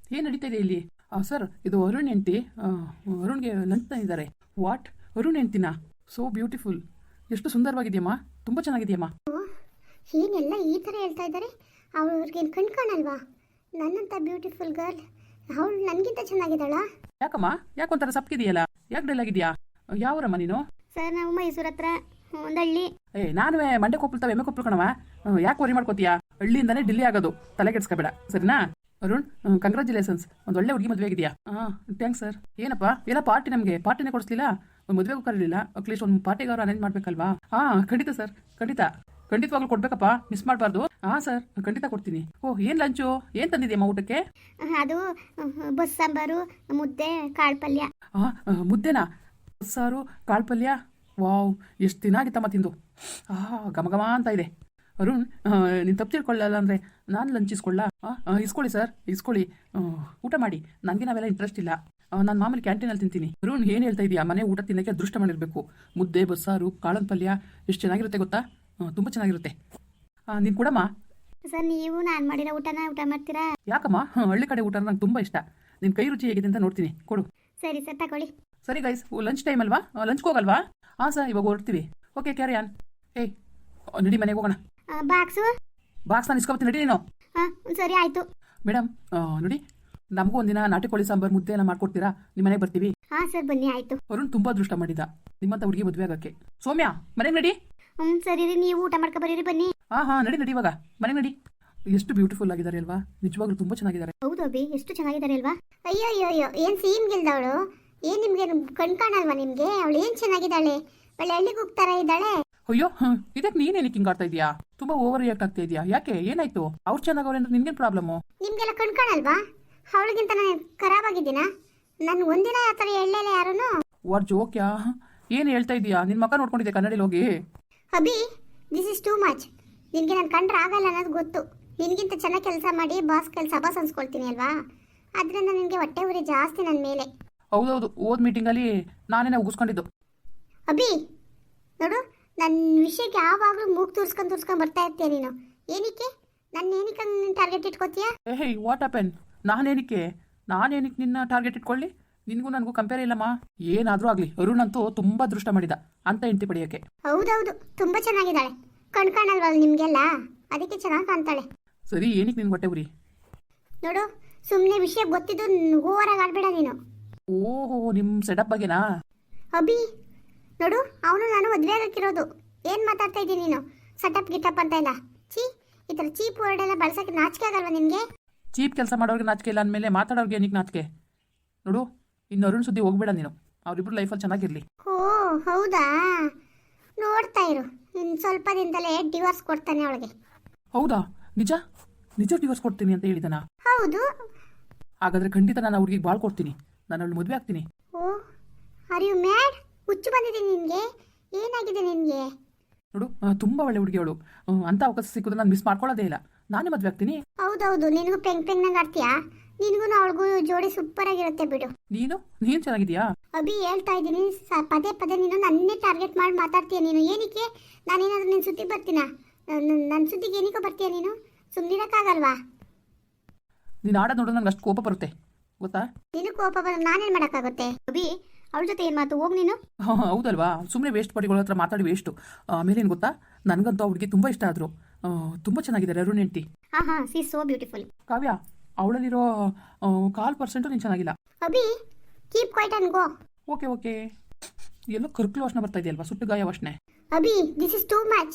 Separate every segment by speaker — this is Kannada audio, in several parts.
Speaker 1: ಏನು ನಡೀತಾ ಇದೆ ಇಲ್ಲಿ? ಸರ್, ಇದು ಅರುಣ್ ಹೆಂಡತಿ. ಅರುಣ್ಗೆ ಲಂಚ್ ತಂದಿದ್ದಾರೆ. ವಾಟ್? ಅರುಣ್ ಹೆಂಡ್ತಿನಾ? So beautiful. ಎಷ್ಟು ಸುಂದರವಾಗಿದೆಯಮ್ಮ, ತುಂಬ ಚೆನ್ನಾಗಿದೆಯಮ್ಮ.
Speaker 2: ಏನೆಲ್ಲ ಈ ಥರ ಹೇಳ್ತಾ ಇದ್ದಾರೆ? ಅವ್ರಿಗೇನು ಕಣ್ ಕಾಣಲ್ವಾ? ನನ್ನಂಥ ಬ್ಯೂಟಿಫುಲ್ ಗರ್ಲ್ ಅವಳು ನನಗಿಂತ ಚೆನ್ನಾಗಿದ್ದಾಳ?
Speaker 1: ಯಾಕಮ್ಮ, ಯಾಕೊಂಥರ ಸಪ್ಕಿದೆಯಲ್ಲ? ಯಾಕೆ ಡಲ್ ಆಗಿದೆಯಾ? ಯಾವರಮ್ಮ ನೀನು?
Speaker 2: ಸರ್, ನಾವು ಮೈಸೂರು ಹತ್ರ ಒಂದು ಹಳ್ಳಿ.
Speaker 1: ನಾನು ಮಂಡೆ ಕೊಪ್ಪಳ್ತಾವೆ ಎಮ್ಮೆ ಕೊಪ್ಪಳು ಕಣವ. ಯಾಕೆ ವರಿ ಮಾಡ್ಕೋತೀಯಾ? ಹಳ್ಳಿಯಿಂದಾನೇ ಡಿಲ್ಲಿ ಆಗೋದು, ತಲೆ ಕೆಡ್ಸ್ಕೊಬೇಡ ಸರಿನಾ? ಅರುಣ್, ಕಂಗ್ರ್ಯಾಚುಲೇಷನ್ಸ್, ಒಂದು ಒಳ್ಳೆ ಹುಡುಗಿ ಮದುವೆ ಆಗಿದೆಯಾ? Thanks sir. ಏನಪ್ಪ ಎಲ್ಲ ಪಾರ್ಟಿ? ನಮಗೆ ಪಾರ್ಟಿನೇ ಕೊಡಿಸ್ಲಿಲ್ಲ, ಒಂದು ಮದುವೆಗೂ ಕರೀಲಿಲ್ಲ. ಅಟ್ಲೀಸ್ಟ್ ಒಂದು ಪಾರ್ಟಿಗೆ ಅವ್ರು ಅರೇಂಜ್ ಮಾಡ್ಬೇಕಲ್ವಾ? ಖಂಡಿತ ಸರ್, ಖಂಡಿತವಾಗ್ಲೂ ಕೊಡ್ಬೇಕಪ್ಪ, ಮಿಸ್ ಮಾಡಬಾರ್ದು. ಖಂಡಿತ ಖಂಡಿತ ಕೊಡ್ತೀನಿ. ಏನು ಲಂಚು? ಏನು ತಂದಿದ್ಯಮ್ಮ ಊಟಕ್ಕೆ?
Speaker 2: ಅದು ಬಸ್ ಸಾಂಬಾರು, ಮುದ್ದೆ, ಕಾಳು ಪಲ್ಯ.
Speaker 1: ಮುದ್ದೆನಾ? ಬಸ್ಸಾರು, ಕಾಳು ಪಲ್ಯ? ವಾವ್, ಎಷ್ಟು ದಿನ ಆಗಿತ್ತಮ್ಮ ತಿಂದು. ಘಮ ಅಂತ ಇದೆ. ಅರುಣ್, ನೀನು ತಪ್ಪು ತಿಳ್ಕೊಳ್ಳಲ್ಲ ಅಂದರೆ ನಾನು ಲಂಚ್ ಇಸ್ಕೊಳ್ಳ? ಇಸ್ಕೊಳ್ಳಿ ಸರ್, ಇಸ್ಕೊಳ್ಳಿ. ಊಟ ಮಾಡಿ, ನನಗೆ ನಾವೆಲ್ಲ ಇಂಟ್ರೆಸ್ಟ್ ಇಲ್ಲ. ನಾನು ಮಾಮೂಲಿ ಕ್ಯಾಂಟೀನಲ್ಲಿ ತಿಂತೀನಿ. ಅರುಣ್, ಏನು ಹೇಳ್ತಾ ಇದೆಯಾ? ಮನೆ ಊಟ ತಿನ್ನೋಕ್ಕೆ ಅದೃಷ್ಟ ಮಾಡಿರಬೇಕು. ಮುದ್ದೆ, ಬಸ್ಸಾರು, ಕಾಳನ್ ಪಲ್ಯ ಎಷ್ಟು ಚೆನ್ನಾಗಿರುತ್ತೆ ಗೊತ್ತಾ? ತುಂಬ ಚೆನ್ನಾಗಿರುತ್ತೆ. ನೀನು ಕೊಡಮ್ಮ.
Speaker 2: ಸರ್, ನೀವು ನಾನು ಮಾಡಿರೋ ಊಟನ ಊಟ ಮಾಡ್ತೀರಾ?
Speaker 1: ಯಾಕಮ್ಮ? ಹಳ್ಳಿ ಕಡೆ ಊಟ ನಂಗೆ ತುಂಬ ಇಷ್ಟ. ನಿನ್ನ ಕೈ ರುಚಿ ಹೇಗಿದೆ ಅಂತ ನೋಡ್ತೀನಿ, ಕೊಡು.
Speaker 2: ಸರಿ ಸರ್, ತಗೊಳ್ಳಿ.
Speaker 1: ಸರಿ ಗೈಸ್, ಲಂಚ್ ಟೈಮ್ ಅಲ್ವಾ? ಲಂಚ್ಗೆ ಹೋಗಲ್ವಾ? ಸರ್, ಇವಾಗ ಹೊರಡ್ತೀವಿ. Okay, carry on. ನಡಿ ಮನೆಗೆ ಹೋಗೋಣ. ಬಾಕ್ಸ್ ನಾನು ಇಸ್ಕೊಬತ್ತೀನಿ, ನಡಿ ನೀನು.
Speaker 2: ಸರಿ, ಆಯಿತು.
Speaker 1: ಮೇಡಮ್, ನೋಡಿ, ನಮಗೂ ಒಂದಿನ ನಾಟಿ ಕೋಳಿ ಸಾಂಬಾರು, ಮುದ್ದೆ ಎಲ್ಲ ಮಾಡ್ಕೊಡ್ತೀರಾ? ನಿಮ್ಮ ಮನೆಗೆ ಬರ್ತೀವಿ.
Speaker 2: ಸರ್, ಬನ್ನಿ, ಆಯಿತು.
Speaker 1: ಅರುಣ್ ತುಂಬ ಅದೃಷ್ಟ ಮಾಡಿದ ನಿಮ್ಮಂತ ಹುಡುಗಿ ಮದುವೆ ಆಗೋಕ್ಕೆ. ಸೌಮ್ಯ, ಮನೆಗೆ ನಡಿ.
Speaker 2: ಸರಿ ರೀ, ನೀವು ಊಟ ಮಾಡ್ಕೊ ಬರೀರಿ, ಬನ್ನಿ.
Speaker 1: ನಡಿ ಇವಾಗ ಮನೆಗೆ ನಡಿ. ಎಷ್ಟು ಬ್ಯೂಟಿಫುಲ್ ಆಗಿದ್ದಾರೆ ಅಲ್ವಾ? ನಿಜವಾಗ್ಲೂ ತುಂಬ ಚೆನ್ನಾಗಿದ್ದಾರೆ.
Speaker 2: ಹೌದು ಅಭಿ, ಎಷ್ಟು ಚೆನ್ನಾಗಿದ್ದಾರೆ ಅಲ್ವಾ? ಅಯ್ಯೋ ಅಯ್ಯೋ ಅಯ್ಯೋ, ಏನು ಸೀನ್ ಗೆಲ್ದವಳು? ಏನು ನಿಮ್ಗೆ ಕಣ್ ಕಾಣಲ್ವಾ ನಿಮ್ಗೆ? ಅವಳು ಏನು ಚೆನ್ನಾಗಿದ್ದಾಳೆ, ಒಳ್ಳೆ ಹಳ್ಳಿಗೆ ಹೋಗ್ತಾರ ಇದ್ದಾಳೆ.
Speaker 1: ಅಯ್ಯೋ, ಇದಕ್ಕೆ ನೀನೇನಕ್ಕೆ ಹಿಂಗೆ ಆಡ್ತಾ ಇದೀಯಾ? ತುಂಬಾ ಓವರ್ ರಿಯಾಕ್ಟ್ ಆಗ್ತಾ ಇದೆಯಾ? ಯಾಕೆ, ಏನಾಯ್ತು? ಅವ್ರು ಚೆನ್ನಾಗವ್ರೆ ಅಂದ್ರೆ ನಿನ್ಗೇನು ಪ್ರಾಬ್ಲಮ್ಮು?
Speaker 2: ನಿಮ್ಗೆಲ್ಲ ಕಣ್ ಕಾಣಲ್ವಾ? ಅವಳಿಗಿಂತ ನಾನು ಖರಾಬ್ ಆಗಿದ್ದೀನಾ? ನನ್ ಒಂದಿನ ಆ ಥರ ಹೇಳಲಿಲ್ಲ ಯಾರೂ.
Speaker 1: ವಾಟ್ ಜೋಕ್ಯಾ? ಏನು ಹೇಳ್ತಾ ಇದೀಯಾ? ನಿನ್ನ ಮಕ್ಕ ನೋಡ್ಕೊಂಡಿದ್ದೆ ಕನ್ನಡಿಲಿ ಹೋಗಿ.
Speaker 2: Abhi, this is too much. ನಿನಗೆ ನಾನು ಕಂಡ್ರೆ ಆಗಲ್ಲ ಅನ್ನೋದು ಗೊತ್ತು. ನಿನಗಿಂತ ಚೆನ್ನಾಗಿ ಕೆಲಸ ಮಾಡಿ ಬಾಸ್ ಅನ್ಸ್ಕೊಳ್ತೀನಿ ಅಲ್ವಾ? ಅದರಿಂದ ನಿನಗೆ ಹೊಟ್ಟೆ ಉರಿ ಜಾಸ್ತಿ ನನ್ನ ಮೇಲೆ.
Speaker 1: ಹೌದೌದು, ಓದ್ ಮೀಟಿಂಗಲ್ಲಿ ನಾನೇನೆ ಉಗಿಸ್ಕೊಂಡಿದ್ದು.
Speaker 2: ಅಭಿ ನೋಡು, ನನ್ನ ವಿಷಯಕ್ಕೆ ಯಾವಾಗಲೂ ಮೂಗು ತೂರ್ಸ್ಕೊಂಡು ಬರ್ತಾ ಇರ್ತೀಯ ನೀನು. ಏನಕ್ಕೆ ಏನಕ್ಕೆ ಟಾರ್ಗೆಟ್ ಇಟ್ಕೋತೀಯ?
Speaker 1: What happen? ನಾನೇನಕ್ಕೆ ನಿನ್ನ ಟಾರ್ಗೆಟ್ ಇಟ್ಕೊಳ್ಳಿ? ನಿನಗೂ ನನಗೂ ಕಂಪೇರ್ ಇಲ್ಲಮ್ಮ. ಏನಾದರೂ ಆಗಲಿ, ಅರುಣ್ ಅಂತೂ ತುಂಬ ಅದೃಷ್ಟ ಮಾಡಿದ ಅಂತ ಹೆಂಡತಿ ಪಡೆಯೋಕ್ಕೆ.
Speaker 2: ಹೌದೌದು, ತುಂಬ ಚೆನ್ನಾಗಿದ್ದಾಳೆ. ಕಣ್ ಕಾಣಲ್ವಲ್ಲ ನಿಮಗೆಲ್ಲ, ಅದಕ್ಕೆ ಚೆನ್ನಾಗಿ ಕಾಣ್ತಾಳೆ.
Speaker 1: ಸರಿ, ಏನಕ್ಕೆ ನಿನ್ಗೆ ಹೊಟ್ಟೆ ಉರಿ?
Speaker 2: ನೋಡು, ಸುಮ್ಮನೆ ವಿಷಯ ಗೊತ್ತಿದ್ದು ಓವರಾಗಿ ಆಡ್ಬೇಡ ನೀನು.
Speaker 1: ಓಹೋ, ನಿಮ್ಮ ಸೆಟಪ್ ಬಗ್ಗೆನಾ?
Speaker 2: ಅಭಿ ನೋಡು, ಅವನು ನಾನು ಮದುವೆ ಆಗಕ್ಕಿರೋದು. ಏನು ಮಾತಾಡ್ತಾ ಇದ್ದೀನಿ ನೀನು? ಸೆಟಪ್ ಗಿಟಪ್ ಅಂತ ಇಲ್ಲ. ಈ ಥರ ಚೀಪ್ ವರ್ಡ್ ಎಲ್ಲ ಬಳಸೋಕ್ಕೆ ನಾಚಿಕೆ ಆಗಲ್ವಾ ನಿಮಗೆ?
Speaker 1: ಚೀಪ್ ಕೆಲಸ ಮಾಡೋರಿಗೆ ನಾಚಿಕೆ ಇಲ್ಲ ಅಂದಮೇಲೆ ಮಾತಾಡೋರಿಗೆ ಏನಕ್ಕೆ ನಾಚಿಕೆ? ನೋಡು, ಇನ್ನು ಅರುಣ್ ಸುದ್ದಿ ಹೋಗ್ಬೇಡ ನೀನು. ಅವರಿಬ್ರು ಲೈಫಲ್ಲಿ ಚೆನ್ನಾಗಿರಲಿ.
Speaker 2: ಓ ಹೌದಾ? ನೋಡ್ತಾ ಇರು, ಇನ್ನು ಸ್ವಲ್ಪ ದಿನದಲ್ಲೇ ಡಿವೋರ್ಸ್ ಕೊಡ್ತಾನೆ ಅವಳಿಗೆ.
Speaker 1: ಹೌದಾ? ನಿಜ ಡಿವೋರ್ಸ್ ಕೊಡ್ತೀನಿ ಅಂತ ಹೇಳಿದನ?
Speaker 2: ಹೌದು.
Speaker 1: ಹಾಗಾದ್ರೆ ಖಂಡಿತ ನಾನು ಅವ್ರಿಗೆ ಬಾಳ್ ಕೊಡ್ತೀನಿ. ನಾನು ಅವಳು ಮದುವೆ ಆಗ್ತೀನಿ.
Speaker 2: Oh, are you mad? ಹುಚ್ಚು ಬಂದಿದೆ ನಿನಗೆ? ಏನಾಗಿದೆ ನಿನಗೆ?
Speaker 1: ನೋಡು, ತುಂಬ ಒಳ್ಳೆ ಹುಡುಗಿ ಅವಳು. ಅಂತ ಅವಕಾಶ ಸಿಕ್ಕಿದ್ರೆ ನಾನು ಮಿಸ್ ಮಾಡ್ಕೊಳ್ಳೋದೇ ಇಲ್ಲ. ನಾನೇ ಮದುವೆ ಆಗ್ತೀನಿ.
Speaker 2: ಹೌದೌದು, ನಿನಗೂ ಪೆಂಗ್ ಆಡ್ತೀಯಾ? ನಿನಗೂ ಅವಳಿಗೂ ಜೋಡಿ ಸೂಪರ್ ಆಗಿರುತ್ತೆ ಬಿಡು.
Speaker 1: ನೀನು ಚೆನ್ನಾಗಿದ್ಯಾ?
Speaker 2: ಅಭಿ, ಹೇಳ್ತಾ ಇದ್ದೀನಿ, ಪದೇ ನೀನು ನನ್ನೇ ಟಾರ್ಗೆಟ್ ಮಾಡಿ ಮಾತಾಡ್ತೀಯ ನೀನು. ಏನಕ್ಕೆ? ನಾನೇನಾದ್ರೂ ನಿನ್ನ ಸುದ್ದಿಗೆ ಬರ್ತೀನಾ? ನನ್ನ ಸುದ್ದಿಗೆ ಏನಕ್ಕೂ ಬರ್ತೀಯ ನೀನು? ಸುಮ್ಮನಿರಕ್ಕಾಗಲ್ವಾ?
Speaker 1: ನೀನು ಆಡೋದು ನೋಡೋ ನಂಗೆ ಅಷ್ಟು ಕೋಪ ಬರುತ್ತೆ ಗೊತ್ತಾ?
Speaker 2: ನೀನು ಕೋಪ ಬಂದ್ರೆ ನಾನೇನು ಮಾಡೋಕ್ಕಾಗುತ್ತೆ? ಅಭಿ, ಅವಳ ಜೊತೆ ಏನು ಮಾತು? ಹೋಗಿ ನೀನು.
Speaker 1: ಹೌದಲ್ವಾ? ಸುಮ್ಮನೆ ವೇಸ್ಟ್ ಪಾರ್ಟಿಗಳ ಹತ್ರ ಮಾತಾಡಿ ವೇಸ್ಟು. ಆಮೇಲೆ ಏನು ಗೊತ್ತಾ, ನನಗಂತೂ ಅವ್ರಿಗೆ ತುಂಬ ಇಷ್ಟ ಆದರು. ತುಂಬ ಚೆನ್ನಾಗಿದ್ದಾರೆ ಅರುಣ್ ಹೆಂಡತಿ.
Speaker 2: See so beautiful.
Speaker 1: ಕಾವ್ಯ, ಅವಳಲ್ಲಿರೋ 1% ನೀನು ಚೆನ್ನಾಗಿಲ್ಲ.
Speaker 2: Abhi, keep quiet and go.
Speaker 1: Okay. ಎಲ್ಲೋ ಕರ್ಕಲು ವಾಸನೆ ಬರ್ತಾ ಇದೆಯಲ್ವಾ? ಸುಟ್ಟು ಗಾಯ ವಾಸನೆ.
Speaker 2: Abhi, this is too much.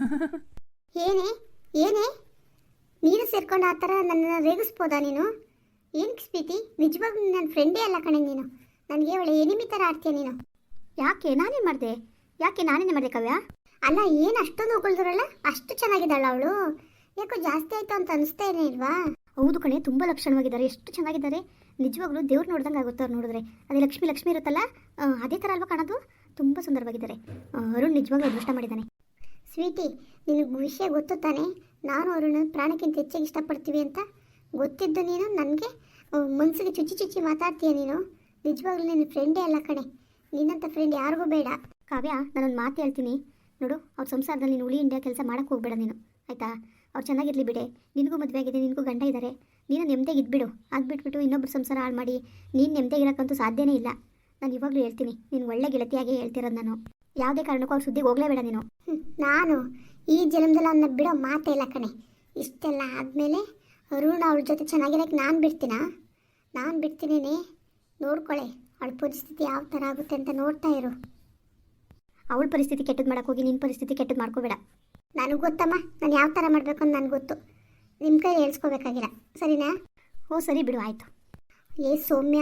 Speaker 2: ಏನೇ ನೀನು ಸೇರ್ಕೊಂಡು ಆ ಥರ ನನ್ನನ್ನು ರೇಗಿಸ್ಬೋದಾ ನೀನು? ಏನಕ್ಕೆ ಸ್ಪೀತಿ? ನಿಜವಾಗ್ಲೂ ನನ್ನ ಫ್ರೆಂಡೇ ಅಲ್ಲ ಕಣೆ ನೀನು. ನನಗೆ ಒಳ್ಳೆ ಎನಿಮಿ ಥರ ಆಡ್ತೀಯ ನೀನು. ಯಾಕೆ ನಾನೇನೇ ಮಾಡಿದೆ ಕಾವ್ಯ? ಅಲ್ಲ, ಏನು ಅಷ್ಟೊಂದು ಹೊಗಳ್ದ್ರಲ್ಲ, ಅಷ್ಟು ಚೆನ್ನಾಗಿದ್ದಾಳ ಅವಳು. ಯಾಕೋ ಜಾಸ್ತಿ ಆಯಿತು ಅಂತ ಅನಿಸ್ತಾ ಇಲ್ವಾ? ಹೌದು ಕಣೆ, ತುಂಬ ಲಕ್ಷಣವಾಗಿದ್ದಾರೆ. ಎಷ್ಟು ಚೆನ್ನಾಗಿದ್ದಾರೆ ನಿಜವಾಗ್ಲೂ. ದೇವ್ರು ನೋಡ್ದಂಗೆ ಆಗುತ್ತೆ ಅವ್ರು ನೋಡಿದ್ರೆ. ಅದೇ ಲಕ್ಷ್ಮಿ ಇರುತ್ತಲ್ಲ, ಅದೇ ಥರ ಅಲ್ವಾ ಕಾಣೋದು? ತುಂಬ ಸುಂದರವಾಗಿದ್ದಾರೆ. ಅರುಣ್ ನಿಜವಾಗ್ಲೂ ಅದೃಷ್ಟ ಮಾಡಿದ್ದಾನೆ. ಸ್ವೀಟಿ, ನಿನಗೆ ವಿಷಯ ಗೊತ್ತು ತಾನೆ? ನಾನು ಅರುಣ್ ಪ್ರಾಣಕ್ಕಿಂತ ಹೆಚ್ಚಾಗಿ ಇಷ್ಟಪಡ್ತೀವಿ ಅಂತ ಗೊತ್ತಿದ್ದು ನೀನು ನನಗೆ ಮನಸ್ಸಿಗೆ ಚುಚ್ಚಿ ಮಾತಾಡ್ತೀಯ ನೀನು. ನಿಜವಾಗ್ಲೂ ನಿನ್ನ ಫ್ರೆಂಡೇ ಅಲ್ಲ ಕಣೆ. ನಿನ್ನಂಥ ಫ್ರೆಂಡ್ ಯಾರಿಗೂ ಬೇಡ. ಕಾವ್ಯ, ನಾನೊಂದು ಮಾತು ಹೇಳ್ತೀನಿ ನೋಡು, ಅವ್ರ ಸಂಸಾರದಲ್ಲಿ ನೀನು ಉಳಿ ಇಂಡಿಯಾ ಕೆಲಸ ಮಾಡೋಕ್ಕೆ ಹೋಗ್ಬೇಡ ನೀನು, ಆಯಿತಾ? ಅವ್ರು ಚೆನ್ನಾಗಿರಲಿ ಬಿಡೆ. ನಿನಗೂ ಮದುವೆ ಆಗಿದೆ, ನಿನಗೂ ಗಂಡ ಇದ್ದಾರೆ. ನೀನು ನೆಮ್ಮದಿಗೆ ಇದ್ಬಿಡು. ಆಗಿಬಿಟ್ಬಿಟ್ಟು ಇನ್ನೊಬ್ರು ಸಂಸಾರ ಹಾಳು ಮಾಡಿ ನೀನು ನೆಮ್ಮದಿಗಿರೋಕ್ಕಂತೂ ಸಾಧ್ಯನೇ ಇಲ್ಲ. ನಾನು ಇವಾಗಲೂ ಹೇಳ್ತೀನಿ, ನೀನು ಒಳ್ಳೆ ಗೆಳತಿಯಾಗೇ ಹೇಳ್ತಿರೋದು ನಾನು. ಯಾವುದೇ ಕಾರಣಕ್ಕೂ ಅವ್ರ ಸುದ್ದಿಗೆ ಹೋಗಲೇಬೇಡ ನೀನು. ನಾನು ಈ ಜನ್ಮದಲ್ಲಿ ಅವನ್ನ ಬಿಡೋ ಮಾತೇ ಇಲ್ಲ ಕಣೆ. ಇಷ್ಟೆಲ್ಲ ಆದಮೇಲೆ ಅರುಣ್ ಅವಳ ಜೊತೆ ಚೆನ್ನಾಗಿರೋಕ್ಕೆ ನಾನು ಬಿಡ್ತೀನಾ? ನಾನು ಬಿಡ್ತೀನೇನೆ. ನೋಡ್ಕೊಳ್ಳೆ ಅವಳ ಪರಿಸ್ಥಿತಿ ಯಾವ ಥರ ಆಗುತ್ತೆ ಅಂತ ನೋಡ್ತಾ ಇರು. ಅವಳ ಪರಿಸ್ಥಿತಿ ಕೆಟ್ಟದ್ದು ಮಾಡೋಕ್ಕೋಗಿ ನಿನ್ನ ಪರಿಸ್ಥಿತಿ ಕೆಟ್ಟದ್ದು ಮಾಡ್ಕೋಬೇಡ. ನನಗೆ ಗೊತ್ತಮ್ಮ, ನಾನು ಯಾವ ಥರ ಮಾಡಬೇಕು ಅಂತ ನನಗೆ ಗೊತ್ತು. ನಿಮ್ಮ ಕೈ ಹೇಳ್ಸ್ಕೋಬೇಕಾಗಿಲ್ಲ, ಸರಿನಾ? ಓ ಸರಿ ಬಿಡು, ಆಯಿತು. ಸೌಮ್ಯ,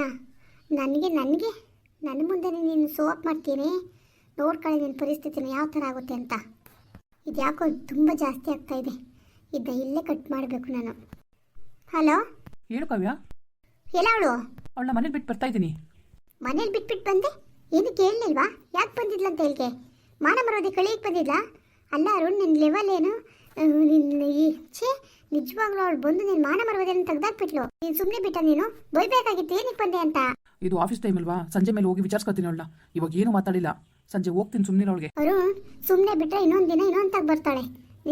Speaker 2: ನನ್ನ ಮುಂದೆ ನೀನು ಸೋಪ್ ಮಾಡ್ತೀನಿ. ನೋಡ್ಕೊಳ್ಳಿ ನಿನ್ನ ಪರಿಸ್ಥಿತಿನ ಯಾವ ಥರ ಆಗುತ್ತೆ ಅಂತ. ಇದು ಯಾಕೋ ತುಂಬ ಜಾಸ್ತಿ ಆಗ್ತಾ ಇದೆ. ಇದನ್ನ ಇಲ್ಲೇ ಕಟ್ ಮಾಡಬೇಕು ನಾನು. ಹಲೋ,
Speaker 1: ಹೇಳು ಕಾವ್ಯ.
Speaker 2: ಎಲ್ಲ ಅವಳು
Speaker 1: ಅವಳನ್ನ ಮನೇಲಿ ಬಿಟ್ಟು ಬರ್ತಾ ಇದ್ದೀನಿ.
Speaker 2: ಮನೇಲಿ ಬಿಟ್ಬಿಟ್ಟು ಬಂದೆ? ಏನಕ್ಕೆ ಹೇಳಲಿಲ್ವಾ? ಯಾಕೆ ಬಂದಿದ್ಲ ಅಂತ ಹೇಳಿಕೆ? ಮಾನ ಮರೋದೆ ಕಳಿಯಕ್ಕೆ ಬಂದಿದ್ಲಾ? ಅಲ್ಲ ಅರುಣ್, ನಿನ್ನ ಲೆವೆಲ್ ಏನು? ನಿನ್ನ ನಿಜವಾಗ್ಲೂ ಅವಳು ಬಂದು ನೀನು ಮಾನ ಮರೋದೇನು ತೆಗ್ದಾಕ್ಬಿಟ್ಲು. ನೀನು ಸುಮ್ಮನೆ ಬಿಟ್ಟ? ನೀನು ಬೈಬೇಕಾಗಿತ್ತು ಏನಕ್ಕೆ ಬಂದೆ ಅಂತ.
Speaker 1: ಇದು ಆಫೀಸ್ ಟೈಮ್ ಅಲ್ವಾ, ಸಂಜೆ ಮೇಲೆ ಹೋಗಿ ವಿಚಾರಿಸ್ಕೊತೀನಿ ಅವಳನ್ನ. ಇವಾಗ ಏನು ಮಾತಾಡಿಲ್ಲ, ಸಂಜೆ ಹೋಗ್ತೀನಿ ಸುಮ್ಮನೆ ಅವಳಿಗೆ.
Speaker 2: ಅರುಣ್, ಸುಮ್ಮನೆ ಬಿಟ್ಟರೆ ಇನ್ನೊಂದು ದಿನ ಇನ್ನೊಂತಾಗ ಬರ್ತಾಳೆ.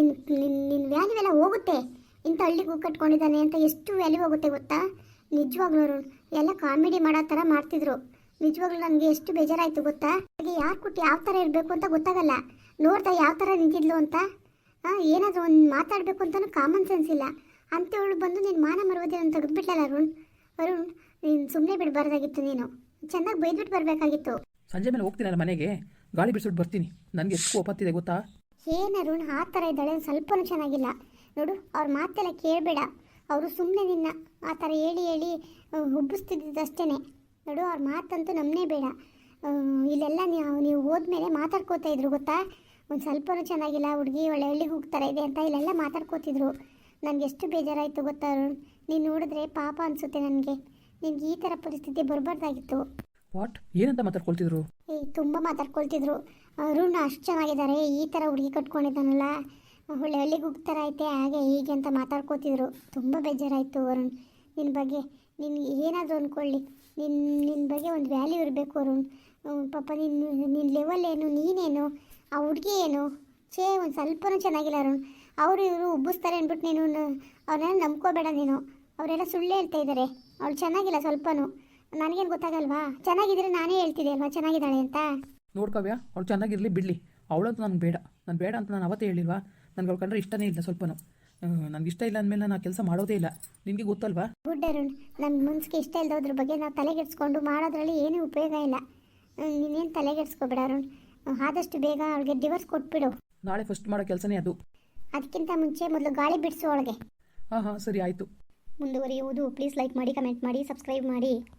Speaker 2: ನಿನ್ನ ವ್ಯಾಲ್ಯೂ ಎಲ್ಲ ಹೋಗುತ್ತೆ. ಇಂಥ ಹಳ್ಳಿಗೂ ಕಟ್ಕೊಂಡಿದ್ದಾನೆ ಅಂತ ಎಷ್ಟು ವ್ಯಾಲ್ಯೂ ಹೋಗುತ್ತೆ ಗೊತ್ತಾ? ನಿಜವಾಗ್ಲೂ ಅರುಣ್, ಎಲ್ಲ ಕಾಮಿಡಿ ಮಾಡೋ ಥರ ಮಾಡ್ತಿದ್ರು. ನಿಜವಾಗ್ಲೂ ನನಗೆ ಎಷ್ಟು ಬೇಜಾರಾಯಿತು ಗೊತ್ತಾ? ಹಾಗೆ ಯಾರು ಕೊಟ್ಟು ಯಾವ ಥರ ಇರಬೇಕು ಅಂತ ಗೊತ್ತಾಗಲ್ಲ. ನೋಡ್ತಾ ಯಾವ ಥರ ನಿಂತಿದ್ಲು ಅಂತ. ಏನಾದರೂ ಒಂದು ಮಾತಾಡಬೇಕು ಅಂತಲೂ ಕಾಮನ್ ಸೆನ್ಸ್ ಇಲ್ಲ. ಅಂಥವಳು ಬಂದು ನೀನು ಮಾನ ಮರುವುದೇನು ತೆಗೆದುಬಿಟ್ಲಲ್ಲ ಅರುಣ್, ನೀನು ಸುಮ್ಮನೆ ಬಿಡಬಾರ್ದಾಗಿತ್ತು. ನೀನು ಚೆನ್ನಾಗಿ ಬೈದ್ಬಿಟ್ಟು ಬರಬೇಕಾಗಿತ್ತು.
Speaker 1: ಸಂಜೆ ಮೇಲೆ ಹೋಗ್ತೀನಲ್ಲ ಮನೆಗೆ, ಗಾಳಿ ಬಿಡಿಸ್ಬಿಟ್ಟು ಬರ್ತೀನಿ. ನನಗೆ ಎಷ್ಟು ಕೋಪತ್ತಿದೆ ಗೊತ್ತಾ?
Speaker 2: ಏನು ಅರುಣ್, ಆ ಥರ ಇದ್ದಾಳೆ, ಸ್ವಲ್ಪನೂ ಚೆನ್ನಾಗಿಲ್ಲ ನೋಡು. ಅವ್ರ ಮಾತೆಲ್ಲ ಕೇಳಬೇಡ. ಅವರು ಸುಮ್ಮನೆ ನಿನ್ನ ಆ ಥರ ಹೇಳಿ ಹುಬ್ಬಿಸ್ತಿದ್ದಷ್ಟೇ ನೋಡು. ಅವ್ರ ಮಾತಂತೂ ನಮ್ಮನೇ ಬೇಡ. ಇಲ್ಲೆಲ್ಲ ನೀವು ಹೋದ್ಮೇಲೆ ಮಾತಾಡ್ಕೋತಾ ಇದ್ರು ಗೊತ್ತಾ? ಒಂದು ಸ್ವಲ್ಪನೂ ಚೆನ್ನಾಗಿಲ್ಲ ಹುಡುಗಿ, ಒಳ್ಳೆ ಹಳ್ಳಿಗೆ ಹೋಗ್ತಾರೆ ಇದೆ ಅಂತ ಇಲ್ಲೆಲ್ಲ ಮಾತಾಡ್ಕೋತಿದ್ರು. ನನಗೆ ಎಷ್ಟು ಬೇಜಾರಾಯಿತು ಗೊತ್ತಾ ಅರುಣ್? ನೀನು ನೋಡಿದ್ರೆ ಪಾಪ ಅನಿಸುತ್ತೆ ನನಗೆ. ನಿನ್ಗೆ ಈ ಥರ ಪರಿಸ್ಥಿತಿ ಬರಬಾರ್ದಾಗಿತ್ತು.
Speaker 1: ವಾಟ್? ಏನಂತ ಮಾತಾಡ್ಕೊಳ್ತಿದ್ರು?
Speaker 2: ತುಂಬ ಮಾತಾಡ್ಕೊಳ್ತಿದ್ರು. ಅರುಣ್ ಅಷ್ಟು ಚೆನ್ನಾಗಿದ್ದಾರೆ, ಈ ಥರ ಹುಡುಗಿ ಕಟ್ಕೊಂಡಿದ್ದಾನಲ್ಲ, ಒಳ್ಳೆ ಹಳ್ಳಿಗೆ ಹೋಗ್ತಾರೆ ಐತೆ, ಹಾಗೆ ಹೀಗೆ ಅಂತ ಮಾತಾಡ್ಕೋತಿದ್ರು. ತುಂಬ ಬೇಜಾರಾಯಿತು ಅರುಣ್ ನಿನ್ನ ಬಗ್ಗೆ. ನಿನ್ಗೆ ಏನಾದರೂ ಅಂದ್ಕೊಳ್ಳಿ, ನಿನ್ನ ಬಗ್ಗೆ ಒಂದು ವ್ಯಾಲ್ಯೂ ಇರಬೇಕು ಅರುಣ್. ಪಾಪ ನಿನ್ನ ಲೆವೆಲ್ ಏನು, ನೀನೇನು, ಆ ಹುಡುಗಿ ಏನು, ಒಂದು ಸ್ವಲ್ಪನೂ ಚೆನ್ನಾಗಿಲ್ಲ ಅರುಣ್. ಅವರು ಇವರು ಉಬ್ಬಿಸ್ತಾರೆ ಅಂದ್ಬಿಟ್ಟು ನೀನು ಅವ್ರನ್ನೆಲ್ಲ ನಂಬ್ಕೋಬೇಡ ನೀನು. ಅವರೆಲ್ಲ ಸುಳ್ಳು ಹೇಳ್ತಾ ಇದ್ದಾರೆ. ಅವಳು ಚೆನ್ನಾಗಿಲ್ಲ ಸ್ವಲ್ಪನೂ. ನನಗೇನು ಗೊತ್ತಾಗಲ್ವಾ? ಚೆನ್ನಾಗಿದ್ರೆ ನಾನೇ ಹೇಳ್ತಿದ್ದೆ ಅಲ್ವಾ ಚೆನ್ನಾಗಿದ್ದಾಳೆ ಅಂತ.
Speaker 1: ನೋಡ್ಕವ್ಯ, ಅವಳು ಚೆನ್ನಾಗಿರಲಿ ಬಿಡಲಿ, ಅವಳಂತೂ ನನಗೆ ಬೇಡ. ನಾನು ಬೇಡ ಅಂತ ನಾನು ಅವತ್ತೇ ಹೇಳಿಲ್ವಾ? ನನಗೆ ಅವಳು ಕಂಡ್ರೆ ಇಷ್ಟನೇ ಇಲ್ಲ ಸ್ವಲ್ಪನೂ. ನನಗೆ ಇಷ್ಟ ಇಲ್ಲ ಅಂದಮೇಲೆ ನಾನು ಆ ಕೆಲಸ ಮಾಡೋದೇ ಇಲ್ಲ. ನಿನಗೆ ಗೊತ್ತಲ್ವಾ?
Speaker 2: ಗುಡ್ ಅರುಣ್, ನಮ್ಮ ಮನ್ಸಿಗೆ ಇಷ್ಟ ಇಲ್ಲದೋದ್ರ ಬಗ್ಗೆ ನಾವು ತಲೆಗೆಡ್ಸ್ಕೊಂಡು ಮಾಡೋದ್ರಲ್ಲಿ ಏನೂ ಉಪಯೋಗ ಇಲ್ಲ. ನೀನೇನು ತಲೆಗೆಡ್ಸ್ಕೊಬೇಡ ಅರುಣ್. ಆದಷ್ಟು ಬೇಗ ಅವಳಿಗೆ ಡಿವೋರ್ಸ್ ಕೊಟ್ಬಿಡು.
Speaker 1: ನಾಳೆ ಫಸ್ಟ್ ಮಾಡೋ ಕೆಲಸನೇ ಅದು.
Speaker 2: ಅದಕ್ಕಿಂತ ಮುಂಚೆ ಮೊದಲು ಗಾಳಿ ಬಿಡಿಸು ಅವಳಿಗೆ.
Speaker 1: ಹಾಂ ಸರಿ ಆಯಿತು.
Speaker 2: ಮುಂದುವರಿಯುವುದು. ಪ್ಲೀಸ್ ಲೈಕ್ ಮಾಡಿ, ಕಮೆಂಟ್ ಮಾಡಿ, ಸಬ್ಸ್ಕ್ರೈಬ್ ಮಾಡಿ.